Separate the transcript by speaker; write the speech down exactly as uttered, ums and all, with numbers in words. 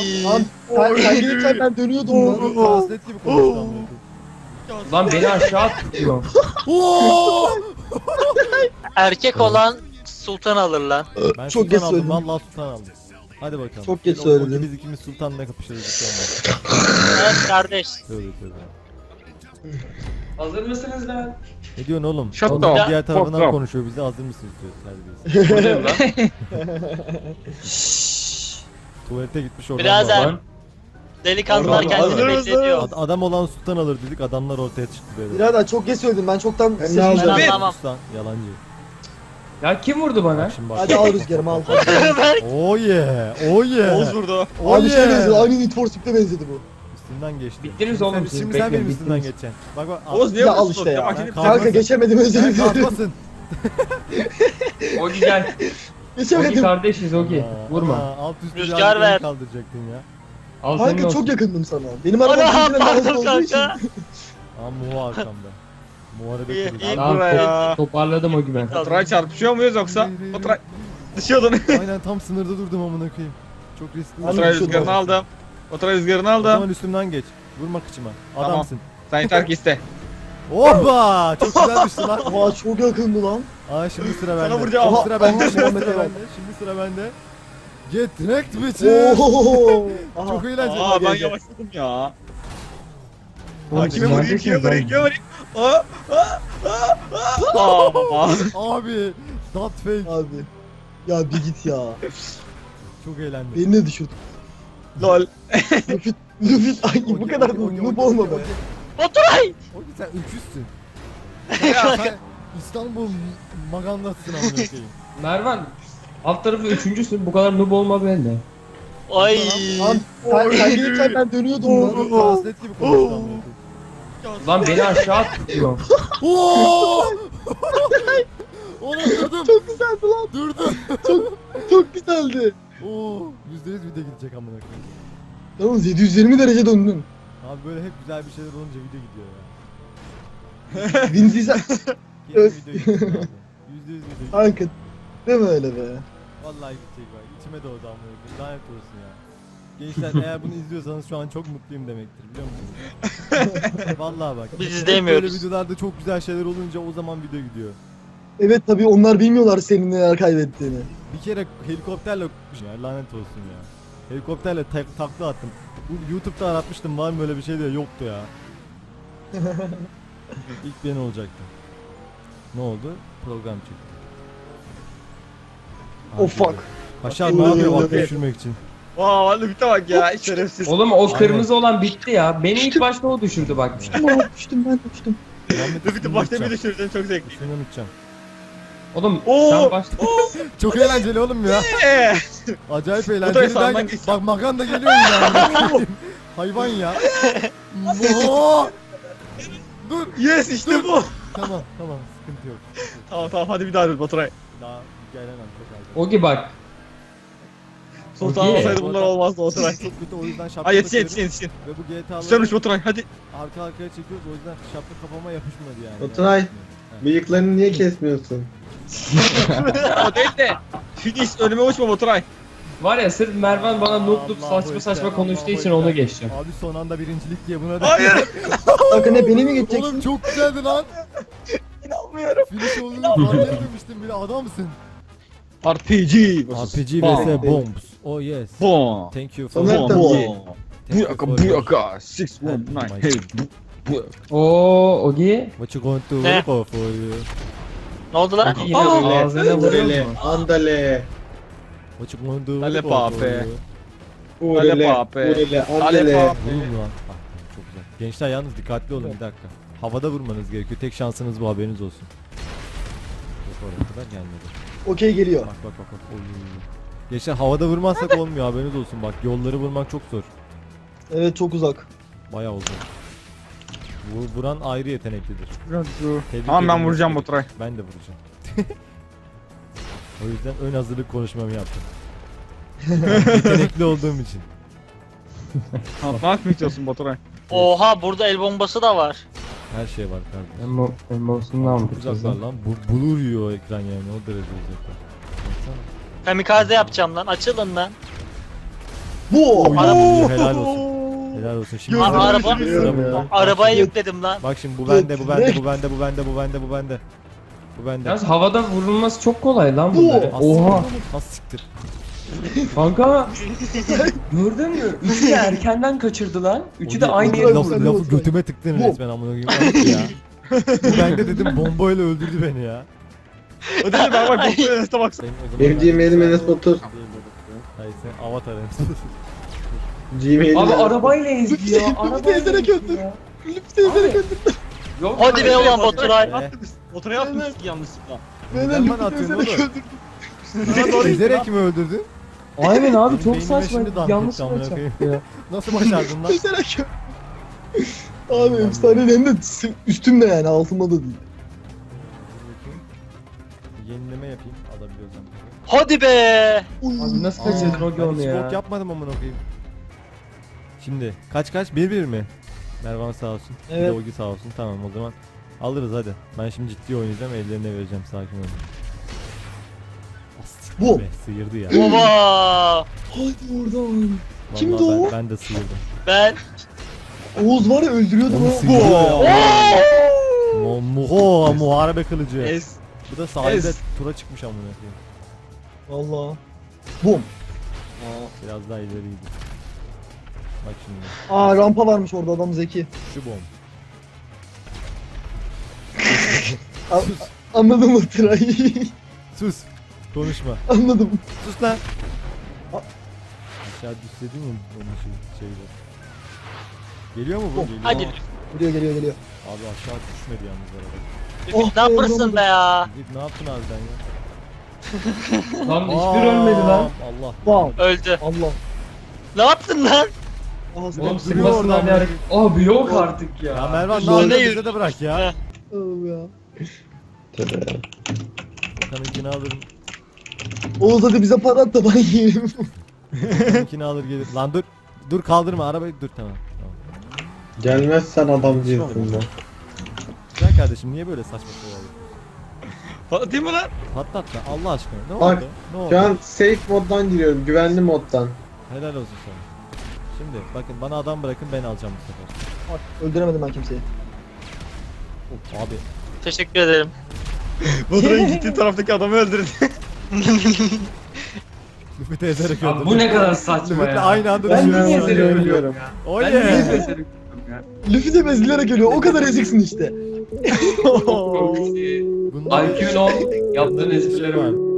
Speaker 1: Lan sen, sen gelirken ben dönüyordum lan.
Speaker 2: Translate gibi konuştu amına
Speaker 3: Lan beni aşağı atıyor.
Speaker 2: koyayım.
Speaker 4: Erkek olan sultan alır lan.
Speaker 2: Ben
Speaker 1: Çok
Speaker 2: sultan
Speaker 1: geç
Speaker 2: aldım.
Speaker 1: söyledim.
Speaker 2: Vallahi sultan aldım. Hadi bakalım.
Speaker 1: Çok geç
Speaker 2: O- o-
Speaker 1: söyledin.
Speaker 2: Biz ikimiz sultanla kapışırız.
Speaker 4: Evet kardeş.
Speaker 2: Tövbe tövbe.
Speaker 3: Hazır mısınız lan?
Speaker 2: Ne diyorsun oğlum?
Speaker 5: Shut
Speaker 2: Oğlum
Speaker 5: the
Speaker 2: diğer
Speaker 5: fuck
Speaker 2: tarafından
Speaker 5: up.
Speaker 2: konuşuyor. Bize hazır mısınız diyor. Terbiyesiz.
Speaker 3: Bu ne lan?
Speaker 2: Tuvalete gitmiş oradan.
Speaker 4: Birader.
Speaker 2: bağırıyor.
Speaker 4: Delikanlılar
Speaker 1: Hazır
Speaker 4: kendini
Speaker 1: mısınız?
Speaker 4: bekletiyor.
Speaker 2: Ad- adam olan sultan alır dedik. Adamlar ortaya çıktı böyle.
Speaker 1: Birader çok geç söyledim ben çoktan
Speaker 5: Ben
Speaker 1: seçmiştim.
Speaker 5: aldım.
Speaker 4: Ben anlamam.
Speaker 2: Sultan yalancı.
Speaker 3: Ya kim vurdu bana?
Speaker 2: Bak şimdi bak.
Speaker 1: Hadi al rüzgarımı al.
Speaker 2: Oh yeah. Oh yeah.
Speaker 5: Oğuz vurdu.
Speaker 2: Oh
Speaker 1: Abi şey
Speaker 2: yeah.
Speaker 1: benzedi aynı Need for Speed'e benzedi bu.
Speaker 2: Üstünden geçti.
Speaker 3: Bittiniz
Speaker 2: Şimdi
Speaker 3: oğlum
Speaker 2: sen-
Speaker 3: siz,
Speaker 2: Şimdi sen
Speaker 3: bekleyin,
Speaker 2: benim üstümden
Speaker 3: bittiniz.
Speaker 2: geçeceksin. Bak bak.
Speaker 5: Oğuz niye
Speaker 1: Ya
Speaker 5: vurdu?
Speaker 1: al işte ya.
Speaker 2: Ben
Speaker 1: Kanka
Speaker 2: kalkmasın.
Speaker 1: geçemedim özür
Speaker 2: Sen
Speaker 1: dilerim.
Speaker 2: kalkmasın.
Speaker 3: Ogi gel. Ogi
Speaker 1: Geçemedim.
Speaker 3: kardeşiz Ogi.
Speaker 2: Aa,
Speaker 3: Vurma.
Speaker 2: aa, Alt üst
Speaker 4: Rüzgar
Speaker 2: rüzgar
Speaker 4: ver.
Speaker 2: kaldıracaktın ya.
Speaker 3: Al senin
Speaker 1: Kanka
Speaker 3: olsun.
Speaker 1: çok yakındım sana. Benim arabam
Speaker 4: Ana
Speaker 1: birbirine lazım
Speaker 4: pardon
Speaker 1: olduğu için.
Speaker 4: kanka.
Speaker 2: Aa Muha arkamda. Muharebe
Speaker 4: İyi,
Speaker 2: kurdu.
Speaker 4: iyi.
Speaker 3: Tamam,
Speaker 5: Buraya.
Speaker 3: to- toparladım Ogi ben.
Speaker 5: Oturay çarpışıyor muyuz yoksa? Oturay düşüyordun.
Speaker 2: Aynen tam sınırda durdum amına koyayım. Çok riskli.
Speaker 1: Oturay
Speaker 5: Oturay
Speaker 1: düşüyordun.
Speaker 5: rüzgarını aldım. Oturay rüzgarını
Speaker 2: O
Speaker 5: aldım.
Speaker 2: zaman üstümden geç. Vurma kıçıma.
Speaker 5: Tamam.
Speaker 2: Adamsın.
Speaker 5: Sen yeter ki iste.
Speaker 2: Hoppa! Çok güzelmişti lan.
Speaker 1: Oha çok yakındı lan.
Speaker 2: Aa şimdi sıra bende.
Speaker 5: Sana vuracağım.
Speaker 2: Şimdi sıra bende.
Speaker 1: Aha,
Speaker 2: Şimdi
Speaker 1: Muhammed'e
Speaker 2: sıra
Speaker 1: bak.
Speaker 2: bende. Şimdi sıra bende. Get wrecked bitches.
Speaker 1: Ooo. Aha.
Speaker 2: Çok eğlenceli.
Speaker 5: Aa ben
Speaker 1: gel, gel.
Speaker 5: yavaşladım ya. Aa,
Speaker 3: Oğlum,
Speaker 5: kime
Speaker 3: siz
Speaker 5: vurayım kime
Speaker 3: neredesiniz
Speaker 5: vurayım
Speaker 3: lan?
Speaker 5: kime vurayım? Aa, aa, aa, aa.
Speaker 2: Abi. That fake.
Speaker 1: Abi. Ya bir git ya.
Speaker 2: Çok eğlendim.
Speaker 1: Beni de düşürdün.
Speaker 5: Lol.
Speaker 1: Lüfit. Lüfit. Ay bu
Speaker 2: Okey,
Speaker 1: kadar
Speaker 2: okey, okey,
Speaker 1: noob
Speaker 2: okey,
Speaker 1: olma
Speaker 2: okey,
Speaker 1: be.
Speaker 2: okey.
Speaker 4: Oturay.
Speaker 2: Oğlum sen öküzsün. Ya sen İstanbul magandasın amına koyayım.
Speaker 3: Mervan. Alt tarafı üçüncüsün. Bu kadar noob olma bende.
Speaker 4: Ay.
Speaker 1: Lan sen, sen gelirken ben dönüyordum lan.
Speaker 2: Translate gibi konuştu amına koyayım.
Speaker 3: Lan beni aşağı atıyor.
Speaker 2: Oo! Oğlum durdum.
Speaker 1: Çok güzeldi lan.
Speaker 2: Durdum.
Speaker 1: Çok güzeldi.
Speaker 2: Oo, yüzde yüz video gidecek amına koyayım.
Speaker 1: Yalnız yedi yüz yirmi derece döndün.
Speaker 2: Abi böyle hep güzel bir şeyler olunca video gidiyor ya.
Speaker 1: Vin Diesel.
Speaker 2: Kesin
Speaker 1: Öf.
Speaker 2: video gidiyor abi. Yüzde yüz video gidiyor.
Speaker 1: Kanka. Deme öyle be.
Speaker 2: Vallahi gidecek bak. İçime doğdu amına koyayım. Lanet olsun ya. Gençler eğer bunu izliyorsanız şu an çok mutluyum demektir biliyor musunuz? Vallahi bak.
Speaker 4: Biz
Speaker 2: hep
Speaker 4: izleyemiyoruz.
Speaker 2: Böyle videolarda çok güzel şeyler olunca o zaman video gidiyor.
Speaker 1: Evet tabii onlar bilmiyorlar senin neler kaybettiğini.
Speaker 2: Bir kere helikopterle ya lanet olsun ya. Helikopterle tak- takla attım. Bu YouTube'da aratmıştım var mı öyle bir şey diye yoktu ya. İlk ben olacaktı. Ne oldu? Program çıktı.
Speaker 1: Oh fuck.
Speaker 2: Paşa ne yapıyor bak düşürmek için?
Speaker 5: Vaa vallahi bir bak ya şerefsiz.
Speaker 3: Oğlum o kırmızı olan bitti ya. Beni ilk başta o düşürdü bak.
Speaker 1: Düştüm ben düştüm ben düştüm.
Speaker 2: Muhammed
Speaker 5: Dur bir de
Speaker 2: üstünü
Speaker 5: başta bir
Speaker 2: unutacağım.
Speaker 5: düşürdün çok zevkli.
Speaker 2: Üstünü unutacağım.
Speaker 3: Oğlum
Speaker 5: Oo!
Speaker 3: sen başta...
Speaker 2: Çok eğlenceli oğlum ya.
Speaker 5: Eee.
Speaker 2: Acayip
Speaker 5: da
Speaker 2: eğlenceli.
Speaker 5: sağdan
Speaker 2: derken-
Speaker 5: geç.
Speaker 2: Bak Magan da geliyor yine. Hayvan ya. Oo! Dur.
Speaker 5: Yes işte bu.
Speaker 2: Tamam tamam sıkıntı yok.
Speaker 5: Tamam tamam hadi bir daha dur Baturay.
Speaker 2: Daha gelemem çok az.
Speaker 3: Ogi bak.
Speaker 5: Sultan
Speaker 3: Okey.
Speaker 5: olsaydı bunlar olmazdı Baturay.
Speaker 2: Çok kötü o yüzden şapka
Speaker 5: Ay yetişin
Speaker 2: takıyorum.
Speaker 5: yetişin yetişin.
Speaker 2: Ve bu G T A'ları
Speaker 5: Güzelmiş Baturay hadi.
Speaker 2: arka arkaya çekiyoruz o yüzden şapka kafama yapışmadı yani.
Speaker 6: Oturay.
Speaker 2: Ha.
Speaker 6: Bıyıklarını niye kesmiyorsun?
Speaker 5: O değil de. Finish önüme uçma Baturay.
Speaker 3: Var ya sırf Mervan bana noob noob
Speaker 2: Allahu
Speaker 3: saçma
Speaker 2: Ekber,
Speaker 3: saçma konuştuğu
Speaker 2: Allahu
Speaker 3: için onu
Speaker 2: Ekber.
Speaker 3: geçeceğim.
Speaker 2: Abi son anda birincilik diye buna da.
Speaker 5: Hayır.
Speaker 1: Kanka ne beni mi
Speaker 2: Oğlum
Speaker 1: geçeceksin?
Speaker 2: çok güzeldi lan.
Speaker 5: İnanmıyorum.
Speaker 2: Finish olduğunu fark etmemiştim bile adamsın.
Speaker 5: R P G.
Speaker 2: R P G
Speaker 5: Bom.
Speaker 2: vs Bombs. Oh yes.
Speaker 5: Bom.
Speaker 2: Thank you for
Speaker 1: Soner
Speaker 5: Bom.
Speaker 1: tabii.
Speaker 5: Bom.
Speaker 2: Thank you
Speaker 5: Buyaka
Speaker 2: for
Speaker 5: buyaka.
Speaker 2: your-
Speaker 5: Six one
Speaker 2: Help
Speaker 5: nine.
Speaker 2: my-
Speaker 5: Hey. bu- bu-
Speaker 3: Oo Ogi.
Speaker 2: What you going to
Speaker 4: Ne?
Speaker 2: look for you?
Speaker 4: Ne oldu lan?
Speaker 3: Yine ağzına vuruyor
Speaker 6: Andale,
Speaker 3: mu?
Speaker 6: andale,
Speaker 2: What you going to
Speaker 5: Ale
Speaker 2: look for
Speaker 5: pape.
Speaker 2: you?
Speaker 6: urele,
Speaker 5: pape.
Speaker 6: urele,
Speaker 5: Ale
Speaker 6: andale.
Speaker 5: pape.
Speaker 2: Vurun lan. Ah, çok güzel. Gençler yalnız dikkatli olun bir dakika. Havada vurmanız gerekiyor. Tek şansınız bu haberiniz olsun. Yok oraya kadar gelmedi.
Speaker 1: Okey geliyor.
Speaker 2: Bak bak bak bak. Oy. Gençler havada vurmazsak olmuyor haberiniz olsun bak. Yolları vurmak çok zor.
Speaker 1: Evet çok uzak.
Speaker 2: Bayağı uzun. Bu vuran ayrı yeteneklidir. Tebrik
Speaker 5: Tamam ben
Speaker 2: ederim.
Speaker 5: vuracağım Baturay.
Speaker 2: Ben de vuracağım. O yüzden ön hazırlık konuşmamı yaptım. Yetenekli olduğum için.
Speaker 5: Tanıtmak mı istiyorsun Baturay?
Speaker 4: Oha burada el bombası da var.
Speaker 2: Her şey var kardeşim.
Speaker 3: Emo, emosundan mı?
Speaker 2: Çok uzaklar lan. Bu, bulur yiyor ekran yani o derece uzaklar. Baksana.
Speaker 4: Kamikaze yapacağım lan. Açılın lan.
Speaker 1: Bu.
Speaker 2: Oy,
Speaker 1: Oo.
Speaker 2: helal olsun. Helal olsun. Şimdi
Speaker 1: Gözüm
Speaker 2: sıra-
Speaker 4: araba-
Speaker 2: sıra bunda.
Speaker 4: Arabaya yükledim lan.
Speaker 2: Bak şimdi bu bende, bu bende, bu bende, bu bende, bu bende, bu bende. Bu bende.
Speaker 3: Yalnız havada vurulması çok kolay lan
Speaker 1: Bu.
Speaker 3: bunların.
Speaker 2: Az
Speaker 3: Oha.
Speaker 2: siktir, az siktir.
Speaker 3: Kanka. Gördün mü? Üçü de erkenden kaçırdı lan. Üçü de
Speaker 2: O-
Speaker 3: aynı
Speaker 2: o-
Speaker 3: yere
Speaker 2: laf,
Speaker 3: vurdu.
Speaker 2: lafı götüme tıktın
Speaker 1: Bu.
Speaker 2: resmen amına koyayım. Ayıp ya. Bu bende dedim bombayla öldürdü beni ya.
Speaker 5: O değil bak bak bu Enes'e bak.
Speaker 2: Senin o zaman
Speaker 6: Benim
Speaker 2: ben-
Speaker 6: Gmail'im Enes Batur.
Speaker 2: Hayır sen avatar Enes.
Speaker 6: Gmail'im
Speaker 3: Abi
Speaker 6: Enes-
Speaker 3: arabayla ezdi ya.
Speaker 1: Lütfen
Speaker 3: Arabayla
Speaker 1: ezerek
Speaker 3: ezdi
Speaker 1: öldür.
Speaker 3: ya.
Speaker 1: Lütfen ezerek öldür.
Speaker 3: Yok,
Speaker 4: Hadi be
Speaker 3: hayır.
Speaker 4: ulan Baturay.
Speaker 5: Motora yapmışsın yanlışlıkla.
Speaker 1: Beni
Speaker 2: Neden bana
Speaker 1: lütfen
Speaker 2: atıyorsun
Speaker 1: ezerek
Speaker 2: oğlum?
Speaker 1: öldür.
Speaker 5: Sana doğru
Speaker 2: Ezerek mi öldürdün?
Speaker 3: Aynen abi
Speaker 2: Benim
Speaker 3: çok
Speaker 2: beynime
Speaker 3: saçma.
Speaker 2: şimdi damp
Speaker 3: Yanlış
Speaker 2: etti amına
Speaker 3: maç
Speaker 2: koyayım.
Speaker 3: yaptı ya.
Speaker 2: Nasıl başardın lan?
Speaker 1: Ezerek öldür. Abi efsane hem de s- üstümde yani altımda da değil.
Speaker 2: Yenileme yapayım alabiliyorsam.
Speaker 4: Hadi be.
Speaker 3: Abi nasıl
Speaker 2: Aa,
Speaker 3: kaçırdın o
Speaker 2: ben
Speaker 3: onu
Speaker 2: hiç bok
Speaker 3: ya?
Speaker 2: yapmadım amına koyayım. Şimdi kaç kaç bir bir mi? Mervan sağ olsun. Bir de
Speaker 1: Evet.
Speaker 2: Ogi sağ olsun. Tamam o zaman alırız hadi. Ben şimdi ciddi oynayacağım ellerine vereceğim sakin olun. As,
Speaker 1: Bu.
Speaker 2: be, sıyırdı ya.
Speaker 4: Baba.
Speaker 1: Hadi oradan.
Speaker 2: Vallahi
Speaker 1: Kimdi
Speaker 2: ben,
Speaker 1: o?
Speaker 2: Ben de sıyırdım.
Speaker 4: Ben.
Speaker 1: Oğuz var ya öldürüyordu
Speaker 2: Onu
Speaker 1: lan.
Speaker 2: sıyırıyor ya. Mu muho muharebe kılıcı.
Speaker 5: Es.
Speaker 2: Bu da sahilde
Speaker 5: Ez.
Speaker 2: tura çıkmış amına koyayım.
Speaker 1: Valla. Bum.
Speaker 2: Biraz daha ileriydi. Bak şimdi.
Speaker 1: Aa rampa varmış orada adam zeki.
Speaker 2: Şu bomb.
Speaker 1: A- anladım o tırayı.
Speaker 2: Sus. Konuşma.
Speaker 1: Anladım.
Speaker 2: Sus lan. Aşağı düşsedin mi onun şey, şeyde. Geliyor mu bu? Geliyor.
Speaker 4: Hadi.
Speaker 1: Geliyor geliyor geliyor.
Speaker 2: Abi aşağı düşmedi yalnız araba.
Speaker 1: Oh,
Speaker 4: Ne yapırsın be ya?
Speaker 2: Git ne yaptın harbiden ya?
Speaker 3: Lan hiçbir ölmedi lan.
Speaker 2: Allah.
Speaker 1: Wow.
Speaker 4: Öldü.
Speaker 1: Allah.
Speaker 4: Ne yaptın lan?
Speaker 1: Aa,
Speaker 3: Oğlum
Speaker 1: sen
Speaker 3: sıkmasın lan ya. Abi yok artık ya.
Speaker 2: Ya Mervan ne
Speaker 4: Zor
Speaker 2: yapıyorsun
Speaker 4: değil.
Speaker 2: bize de bırak ya.
Speaker 1: Oğlum ya.
Speaker 6: Tövbe.
Speaker 2: Kanınkini alırım.
Speaker 1: Oğuz hadi bize para at da ben yiyeyim.
Speaker 2: Kanınkini alır gelir. Lan dur. Dur kaldırma arabayı dur tamam. Tamam.
Speaker 6: Gelmezsen adam değilsin lan.
Speaker 2: Güzel kardeşim niye böyle saçma şeyler yapıyorsun?
Speaker 5: Patlatayım mı lan?
Speaker 2: Patlat lan Allah aşkına. Ne
Speaker 6: Bak,
Speaker 2: oldu? Ne oldu?
Speaker 6: Şu an safe moddan giriyorum. Güvenli moddan.
Speaker 2: Helal olsun sana. Şimdi bakın bana adam bırakın ben alacağım bu sefer.
Speaker 1: Bak öldüremedim ben kimseyi.
Speaker 2: Of, abi.
Speaker 4: Teşekkür ederim.
Speaker 5: Baturay'ın gittiği taraftaki adamı öldürdü.
Speaker 2: Müfit'i ezerek
Speaker 3: Abi
Speaker 2: öldürdüm.
Speaker 3: bu ne kadar saçma
Speaker 2: Müfit'le
Speaker 3: ya.
Speaker 2: aynı anda
Speaker 3: Ben
Speaker 2: düşüyoruz.
Speaker 3: niye
Speaker 6: Ben
Speaker 3: ezerek
Speaker 6: ölüyorum.
Speaker 3: ölüyorum ya?
Speaker 2: Oh
Speaker 3: Ben niye
Speaker 2: yeah.
Speaker 3: ezerek ölüyorum ya?
Speaker 1: Luffy de bezilerek ölüyor. O kadar eziksin işte.
Speaker 3: Çok iyi.
Speaker 2: Bunlar-
Speaker 3: I Q'nun o yaptığın esprilere bak.